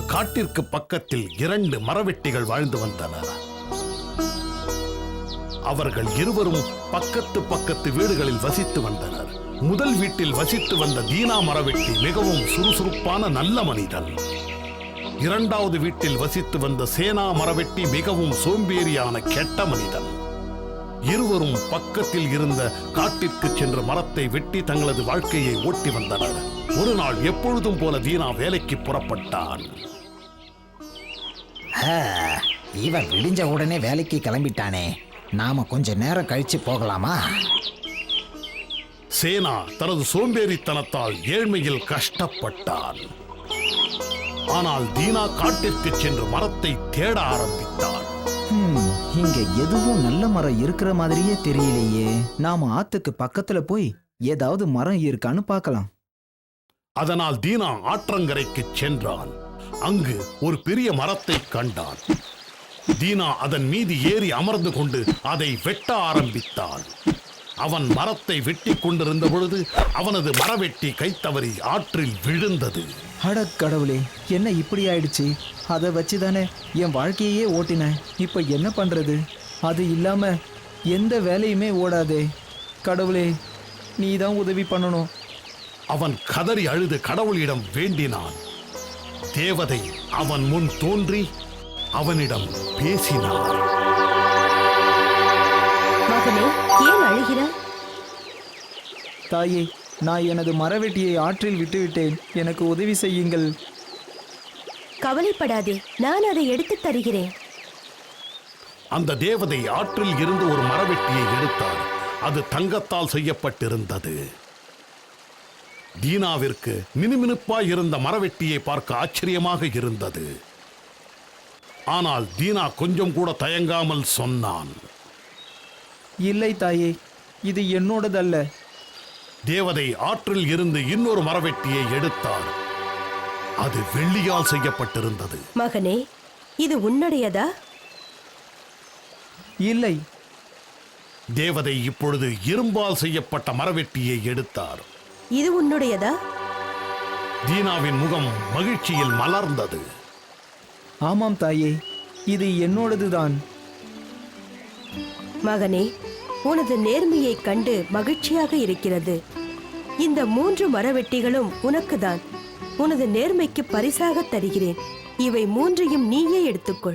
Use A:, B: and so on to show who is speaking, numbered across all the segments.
A: காட்டிற்கு பக்கத்தில் 2 மரவெட்டிகள் வாழ்ந்து வந்தனர். அவர்கள் இருவரும் பக்கத்து வீடுகளில் வசித்து வந்தனர். முதல் வீட்டில் வசித்து வந்த தீனா மரவெட்டி மிகவும் சுறுசுறுப்பான நல்ல மனிதன். 2வது வீட்டில் வசித்து வந்த சேனா மரவெட்டி மிகவும் சோம்பேறியான கெட்ட மனிதன். இருவரும் பக்கத்தில் இருந்த காட்டிற்கு சென்று மரத்தை வெட்டி தங்களது வாழ்க்கையை ஓட்டி வந்தனர். ஒரு நாள் எப்பொழுதும் போல தீனா வேலைக்கு புறப்பட்டான்.
B: இவன் விடிஞ்ச உடனே வேலைக்கு கிளம்பிட்டானே, நாம கொஞ்ச நேரம் கழிச்சு போகலாமா?
A: சேனா தனது சோம்பேறித்தனத்தால் ஏழ்மையில் கஷ்டப்பட்டான். ஆனால் தீனா காட்டிற்கு சென்று மரத்தை தேட ஆரம்பித்தான்.
C: இங்க எதுவும் நல்ல மரம் இருக்கிற மாதிரியே தெரியலையே. நாம ஆத்துக்கு பக்கத்துல போய் ஏதாவது மரம் இருக்கான்னு பார்க்கலாம்.
A: அதனால் தீனா ஆற்றங்கரைக்கு சென்றான். அங்கு ஒரு பெரிய மரத்தை கண்டான். தீனா அதன் மீது ஏறி அமர்ந்து கொண்டு அதை வெட்ட ஆரம்பித்தான். அவன் மரத்தை வெட்டி கொண்டிருந்த பொழுது அவனது மரவெட்டி கைத்தவறி ஆற்றில் விழுந்தது.
C: அட கடவுளே, என்ன இப்படி ஆயிடுச்சு? அதை வச்சுதானே என் வாழ்க்கையே ஓட்டினேன். இப்ப என்ன பண்றது? அது இல்லாம எந்த வேலையுமே ஓடாதே. கடவுளே, நீ தான் உதவி பண்ணணும்.
A: அவன் கதறி அழுது கடவுளிடம் வேண்டினான். தேவதை அவன் முன் தோன்றி அவனிடம் பேசினார்.
D: மகனே, ஏன் அழுகிறாய்?
C: தாயே, நான் எனது மரவெட்டியை ஆற்றில் விட்டுவிட்டேன். எனக்கு உதவி செய்யுங்கள்.
D: கவலைப்படாதே, நான் அதை எடுத்து தருகிறேன்.
A: அந்த தேவதை ஆற்றில் இருந்து ஒரு மரவெட்டியை எடுத்தார். அது தங்கத்தால் செய்யப்பட்டிருந்தது. தீனாவிற்கு மினுமினுப்பாய் இருந்த மரவெட்டியை பார்க்க ஆச்சரியமாக இருந்தது. ஆனால் தீனா கொஞ்சம் கூட தயங்காமல் சொன்னான்,
C: இல்லை தாயே, இது என்னோடதல்ல.
A: தேவதை ஆற்றில் இருந்து இன்னொரு மரவெட்டியை எடுத்தார். அது வெள்ளியால் செய்யப்பட்டிருந்தது.
D: மகனே, இது உன்னுடையதா?
C: இல்லை.
A: தேவதை இப்பொழுது இரும்பால் செய்யப்பட்ட மரவெட்டியை எடுத்தார்.
D: இது உன்னுடையதா?
A: தீனாவின் முகம் மகிழ்ச்சியில் மலர்ந்தது.
C: ஆமாம் தாயே, இது என்னோடதுதான்.
D: மகனே, உனது நேர்மையை கண்டு மகிழ்ச்சியாக இருக்கிறது. இந்த 3 மரவெட்டிகளும் உனக்குதான். உனது நேர்மைக்கு பரிசாக தருகிறேன். இவை 3ஐயும் நீயே எடுத்துக்கொள்.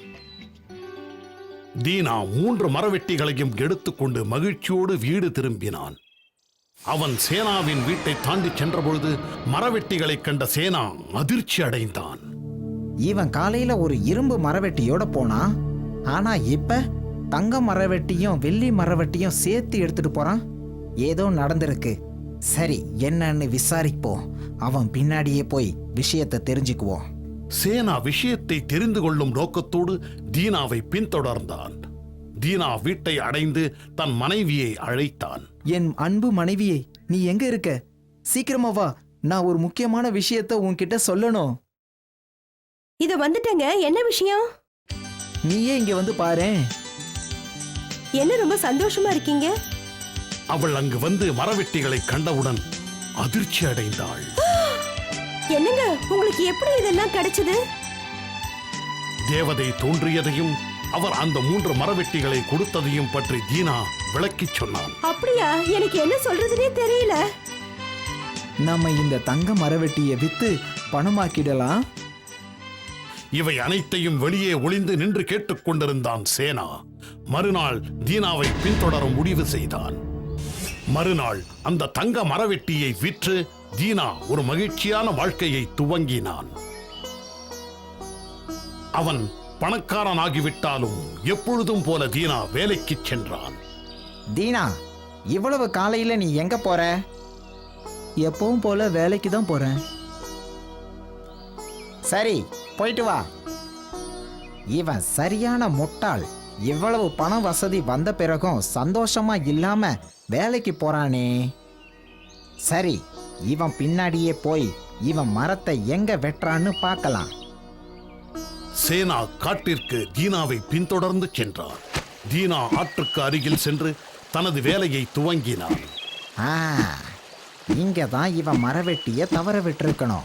A: தீனா 3 மரவெட்டிகளையும் எடுத்துக்கொண்டு மகிழ்ச்சியோடு வீடு திரும்பினான். அவன் சேனாவின் வீட்டை தாண்டி சென்றபொழுது மரவெட்டிகளை கண்ட சேனா அதிர்ச்சி அடைந்தான்.
B: இவன் காலையில ஒரு இரும்பு மரவெட்டியோட போனா, ஆனா இப்ப தங்க மரவெட்டியும் வெள்ளி மரவெட்டியும் சேர்த்து எடுத்துட்டு போறான். ஏதோ நடந்திருக்கு. சரி, என்னன்னு விசாரிப்போம். அவன் பின்னாடியே போய் விஷயத்தை தெரிஞ்சுக்குவோம்.
A: சேனா விஷயத்தை தெரிந்து கொள்ளும் நோக்கத்தோடு தீனாவை பின்தொடர்ந்தான். தீனா வீட்டை அடைந்து தன் மனைவியை அழைத்தான்.
C: என் அன்பு மனைவியே, நீ எங்க இருக்க? சீக்கிரமா வா, நான் ஒரு முக்கியமான விஷயத்தை உன்கிட்ட சொல்லணும்.
D: இது வந்துட்டங்க. என்ன விஷயம்?
C: நீயே இங்க வந்து பாரேன்.
D: என்ன ரொம்ப சந்தோஷமா இருக்கீங்க?
A: அவள் அங்கு வந்து மரவெட்டிகளை கண்டவுடன் அதிர்ச்சி அடைந்தாள்.
D: என்னங்க, உங்களுக்கு எப்படி இதெல்லாம் கிடைச்சது?
A: தேவதை தோன்றியதையும் அவர் அந்த 3 மரவெட்டிகளை கொடுத்ததையும் பற்றி தீனா விளக்கிச் சொன்னான்.
D: அப்படியா? எனக்கு என்ன சொல்றதுனே தெரியல.
C: நம்ம இந்த தங்க மரவெட்டியை வித்து பணமாக்கிடலாம்.
A: இவை அனைத்தையும் வெளியே ஒளிந்து நின்று கேட்டுக்கொண்டிருந்தான் சேனா. மறுநாள் தீனாவை பின்தொடர முடிவு செய்தான். மறுநாள் அந்த தங்க மரவெட்டியை விற்று தீனா ஒரு மகிழ்ச்சியான வாழ்க்கையை துவங்கினான். அவன் பணக்காரனாகிவிட்டாலும் எப்பொழுதும் போல தீனா வேலைக்கு சென்றான்.
B: தீனா, இவ்வளவு காலையில நீ எங்க போற?
C: எப்பவும் போல வேலைக்கு தான் போறேன்.
B: சரி, போயிட்டு வா. இவன் சரியான முட்டாள். இவ்வளவு பண வசதி வந்த பிறகும் சந்தோஷமா இல்லாம வேலைக்கு போறானே. சரி, இவன் பின்னாடியே போய் இவன் மரத்தை எங்க வெட்டுறான்னு பார்க்கலாம்.
A: சேனா காட்டிற்கு தீனாவை பின்தொடர்ந்து சென்றார். தீனா ஆற்றுக்கு அருகில் சென்று தனது வேலையை துவங்கினான்.
B: இங்க தான் இவன் மரவெட்டிய தவற விட்டிருக்கணும்.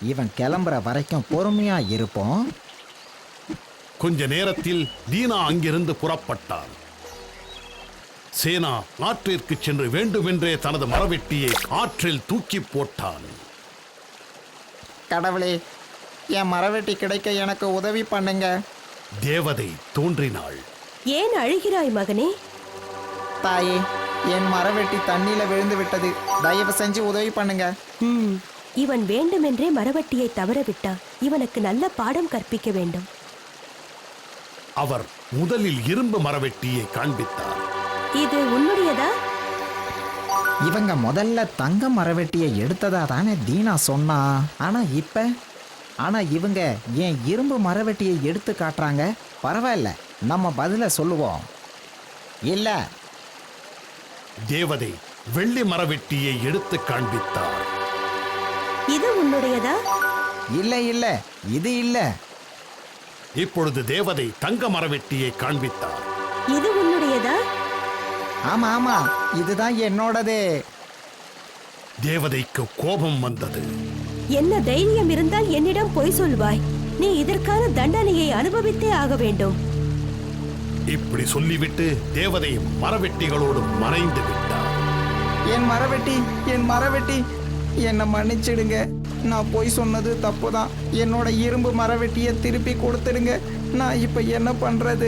B: இவன் கிளம்புற வரைக்கும் பொறுமையா இருப்போம்.
A: கொஞ்ச நேரத்தில் தீனா அங்கிருந்து புறப்பட்டாள். சேனா ஆற்றிற்கு சென்று வேண்டுமென்றே தனது மரவெட்டியை ஆற்றில் தூக்கி போட்டான்.
B: கடவுளே, என் மரவெட்டி கிடைக்க எனக்கு உதவி பண்ணுங்க.
A: தேவதை தோன்றினாள்.
D: ஏன் அழுகிறாய் மகனே?
B: தாயே, என் மரவெட்டி தண்ணியில விழுந்து விட்டது. தயவு செஞ்சு உதவி பண்ணுங்க.
D: இவன் வேண்டுமென்றே மரவட்டியை தவற விட்டான். இவனுக்கு நல்ல பாடம் கற்பிக்க வேண்டும்.
A: அவர் முதலில் இரும்பு மரவெட்டியை காண்பித்தார்.
D: இது உன்னுடையதா?
B: இவங்க முதல்ல தங்க மரவெட்டியை எடுத்ததா தானே தீனா சொன்னா. ஆனா இவங்க ஏன் இரும்பு மரவெட்டியை எடுத்து காட்டுறாங்க? பரவாயில்ல, நம்ம பதில சொல்லுவோம். இல்ல,
A: தேவதை வெள்ளி மரவெட்டியை எடுத்து காண்பித்தார்.
D: இது உன்னுடையதா?
B: இல்ல இல்ல, இது இல்ல.
A: இப்பொழுது தேவதை தங்க மரவெட்டியை காண்பித்தார்.
D: இது உன்னுடையதா?
B: ஆமா ஆமா, இதுதான் என்னோடது.
A: தேவதைக்கு கோபம் வந்தது.
D: என்ன தைரியம் இருந்தால் என்னிடம் பொய் சொல்வாய்? நீ இதற்கான தண்டனையை அனுபவித்தே ஆக வேண்டும்.
A: இப்படி சொல்லிவிட்டு தேவதை மரவெட்டிகளோடு மறைந்து விட்டார்.
B: என் மரவெட்டி, என் மரவெட்டி, என்னை மன்னிச்சிடுங்க. நான் போய் சொன்னது தப்புதான். என்னோட இரும்பு மரவெட்டியை திருப்பி கொடுத்துடுங்க. நான் இப்ப என்ன பண்றது?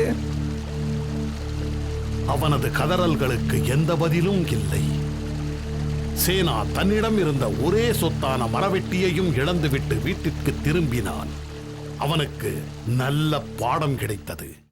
A: அவனது கதறல்களுக்கு எந்த பதிலும் இல்லை. சேனா தன்னிடம் இருந்த ஒரே சொத்தான மரவெட்டியையும் இழந்துவிட்டு வீட்டிற்கு திரும்பினான். அவனுக்கு நல்ல பாடம் கிடைத்தது.